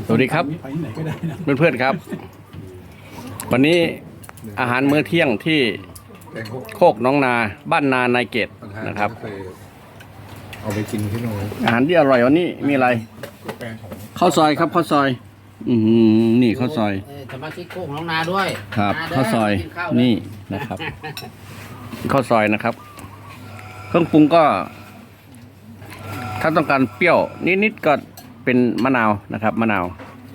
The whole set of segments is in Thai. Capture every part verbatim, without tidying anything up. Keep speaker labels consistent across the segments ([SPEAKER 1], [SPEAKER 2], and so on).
[SPEAKER 1] สวัสดีครับเพื่อนๆครับวันนี้อาหารมื้อเที่ยงที่โคกน้องนาบ้านนานายเกตนะครับ
[SPEAKER 2] เอาไปกินที่โน่น
[SPEAKER 1] อาหารที่อร่อยวันนี้มีอะไรข้าวซอยครับข้าวซอย อืมนี่ข้าวซอย
[SPEAKER 3] สมาชิกโคกน้องนาด้วย
[SPEAKER 1] ครับข้าวซอยนี่นะครับข้าวซอยนะครับเครื่องปรุงก็ถ้าต้องการเปรี้ยวนิดๆก็เป็นมะนาวนะครับมะนาว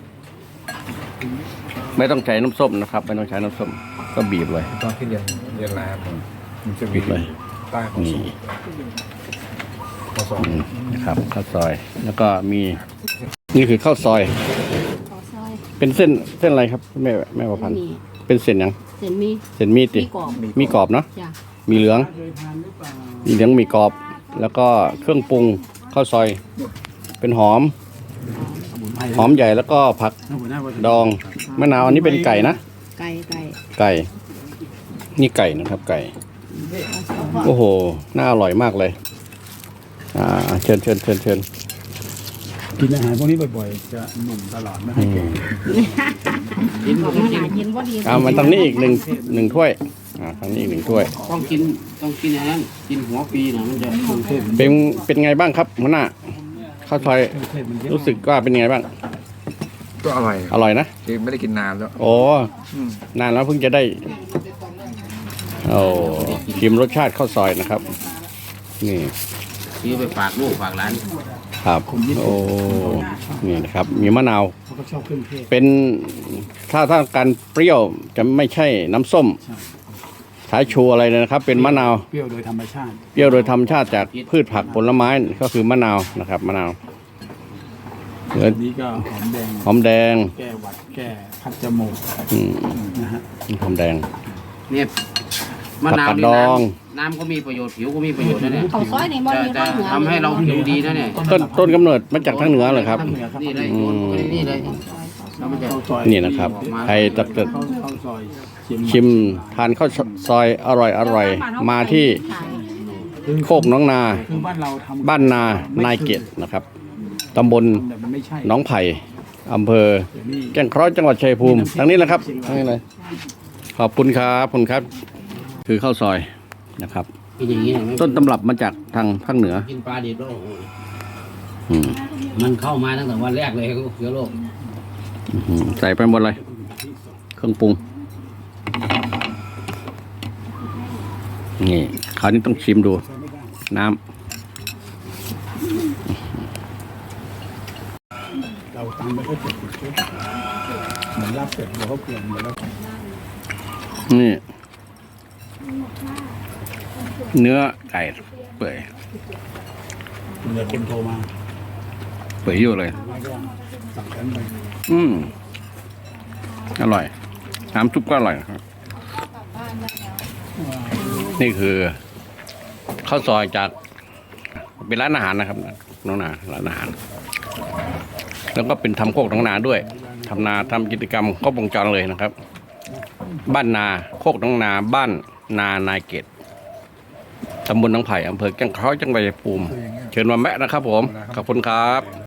[SPEAKER 1] ไม่ต้องใช้น้ำส้มนะครับไม่ต้องใช้น้ำส้มก็บีบเลย
[SPEAKER 2] ตอนที่เรียนเรียนร้านมันจะมีใต้ของนี่ข้าวซอย
[SPEAKER 1] นะครับข้าวซอยแล้วก็มีนี่คือข้าวซอยเป็นเส้นเส้นอะไรครับแม่แม่ประพันธ์เป็นเส้นยัง
[SPEAKER 3] เส้นมี
[SPEAKER 1] เส้นมีติมีกรอบเนาะมีเหลืองมีเหลืองมีกรอบแล้วก็เครื่องปรุงข้าวซอยเป็นหอมหอมใหญ่แล้วก็ผักดองมะนาวอันนี้เป็นไก่นะ
[SPEAKER 3] ไก่ไก่
[SPEAKER 1] ไก่นี่ไก่นะครับไก่โอ้โหน่าอร่อยมากเลยอ่าเชิญเชิญเชิญเชิญ
[SPEAKER 4] กินอาหารพวกนี้บ่อยๆจะหนุ่มตลอดไม่ให้แก่
[SPEAKER 3] กินบ่ดีกินบ่ดี
[SPEAKER 1] อ่ามันตรงนี้อีกหนึ่งหนึ่งถ้วยอ่าตรงนี้อีกหนึ่งถ้วย
[SPEAKER 3] ต้องกินต้องกินอย่างนั้นกินหัวปีนะมันจะ
[SPEAKER 1] เป็นเป็นไงบ้างครับหัวหน้าข้าวซอยรู้สึกว่าเป็นไงบ้าง
[SPEAKER 2] ก็อร่อย
[SPEAKER 1] อร่อยนะ
[SPEAKER 2] ไม่ได้กินนานแล้ว
[SPEAKER 1] โอ้นานแล้วเพิ่งจะได้โอ้ชิมรสชาติข้าวซอยนะครับนี่
[SPEAKER 3] ซื้อไปฝากลูกฝากหลาน
[SPEAKER 1] ครับโอ้นี่นะครับมีมะนาวเป็นถ้าถ้าการเปรี้ยวจะไม่ใช่น้ำส้มสายชูอะไรเลยนะครับเป็นมะนาว
[SPEAKER 4] เปรี้ยวโดยธรรมชาติ
[SPEAKER 1] เปรี้ยวโดยธรรมชาติจากพืชผักผลไม้ก็คือมะนาวนะครับมะนาว
[SPEAKER 4] นี้ก็หอมแดง
[SPEAKER 1] หอมแดง
[SPEAKER 4] แก้หวัดแก้คัดจมูกนะฮะ
[SPEAKER 1] หอมแดง
[SPEAKER 3] เนี่ยมะนาวนี่น้ำน้ำก็มีประโยชน์ผิวก็มีประโยชน์นะเนี่ย
[SPEAKER 5] ข้าวซอยนี่มันมี
[SPEAKER 3] จะทำให้เราผิวดีนะเนี่ย
[SPEAKER 1] ต้นต้นกำเนิดมาจากทางเหนือเหรอครับ
[SPEAKER 3] นี่เลยนี่เลย
[SPEAKER 1] นี่นะครับใครจะจะชิมทานข้าวซอยอร่อยอร่อยมาที่โคกน้องนาบ้านนานายเกตนะครับตำบลหนองไผ่อำเภอแก่งเคราะห์จังหวัดชัยภูมิทางนี้แหละครับทางนี้เลยขอบคุณครับคุณครับคือข้าวซอยนะครับต้นตำรับมาจากทางภาคเหนือ
[SPEAKER 3] กินปลาดิบโลกมันเข้ามาตั้งแต่วันแรกเลยเชื้อโรค
[SPEAKER 1] ใส่ไปหมดเลยเครื่องปรุงนี่คราวนี้ต้องชิมดูน้ำ
[SPEAKER 4] เราตำไปก็เจ็บเหมือนลาบเป็ดเราก็เปลี่ยนเหมือนแล้ว
[SPEAKER 1] นี่เนื้อไก่เปื่อย
[SPEAKER 4] เนื้อคนโทรมา
[SPEAKER 1] เปื่อยอยู่เลยอืมอร่อยน้ำซุปก็อร่อยครับนี่คือข้าวซอยจากเป็นร้านอาหารนะครับน้องนาร้านอาหารแล้วก็เป็นทำโคกน้องนาด้วยทำนาทำกิจกรรมครบวงจรเลยนะครับบ้านนาโคกน้องนาบ้านนานายเกตตำบลหนองไผ่อำเภอแก่งเคราะห์จังหวัดชัยภูมิเชิญมาแมะนะครับผมขอบคุณครับ